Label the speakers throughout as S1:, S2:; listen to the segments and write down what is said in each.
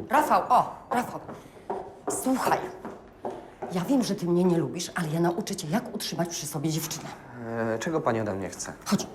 S1: Rafał, słuchaj. Ja wiem, że ty mnie nie lubisz, ale ja nauczę cię, jak utrzymać przy sobie dziewczynę.
S2: Czego pani ode mnie chce?
S1: Chodź.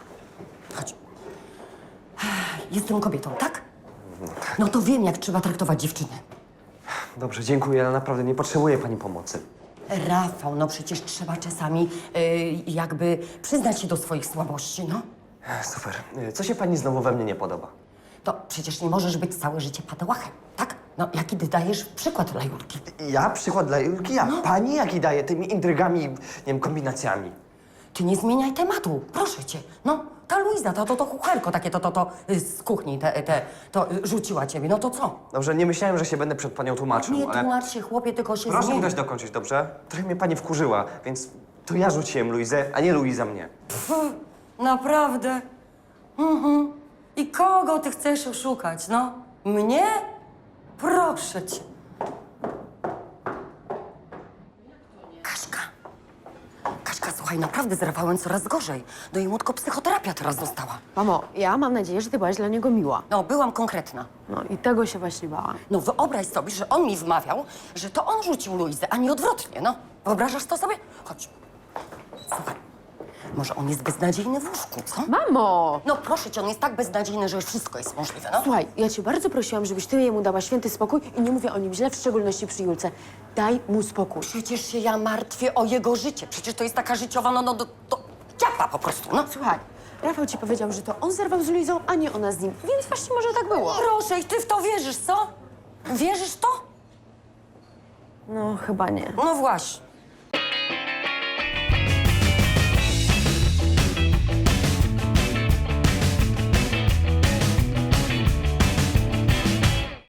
S1: Jestem kobietą, tak? No to wiem, jak trzeba traktować dziewczynę.
S2: Dobrze, dziękuję, ale naprawdę nie potrzebuję pani pomocy.
S1: Rafał, no przecież trzeba czasami jakby przyznać się do swoich słabości, no.
S2: Super. Co się pani znowu we mnie nie podoba?
S1: To przecież nie możesz być całe życie padałachem, tak? No, jaki ty dajesz przykład dla Julki?
S2: Ja? Przykład dla Julki? Ja? Pani jaki daje tymi intrygami, nie wiem, kombinacjami?
S1: Ty nie zmieniaj tematu, proszę cię. No, ta Luiza, to kucharko takie, z kuchni, to rzuciła ciebie, no to co?
S2: Dobrze, nie myślałem, że się będę przed panią tłumaczył,
S1: Nie
S2: ale...
S1: tłumacz się, chłopie, tylko się
S2: Proszę mi
S1: zmień.
S2: dać dokończyć, dobrze? Trochę mnie pani wkurzyła, więc to ja rzuciłem Luizę, a nie Luiza mnie.
S1: Naprawdę? I kogo ty chcesz oszukać, no? Mnie? Proszę cię. Kaśka, słuchaj, naprawdę z Rafałem coraz gorzej. No i młotko psychoterapia teraz dostała.
S3: Mamo, ja mam nadzieję, że ty byłaś dla niego miła.
S1: No, byłam konkretna.
S3: No i tego się właśnie bałam.
S1: No wyobraź sobie, że on mi wmawiał, że to on rzucił Luizę, a nie odwrotnie, no. Wyobrażasz to sobie? Chodź. Słuchaj, może on jest beznadziejny w łóżku, co?
S3: Mamo!
S1: No proszę cię, on jest tak beznadziejny, że już wszystko jest możliwe, no.
S3: Słuchaj, ja cię bardzo prosiłam, żebyś ty jemu dała święty spokój i nie mówię o nim źle, w szczególności przy Julce. Daj mu spokój.
S1: Przecież się ja martwię o jego życie. Przecież to jest taka życiowa, to ciapa po prostu, no.
S3: Słuchaj, Rafał ci powiedział, że to on zerwał z Luizą, a nie ona z nim, więc właśnie może tak było.
S1: Proszę, i ty w to wierzysz, co? Wierzysz w to?
S3: No, chyba nie.
S1: No właśnie.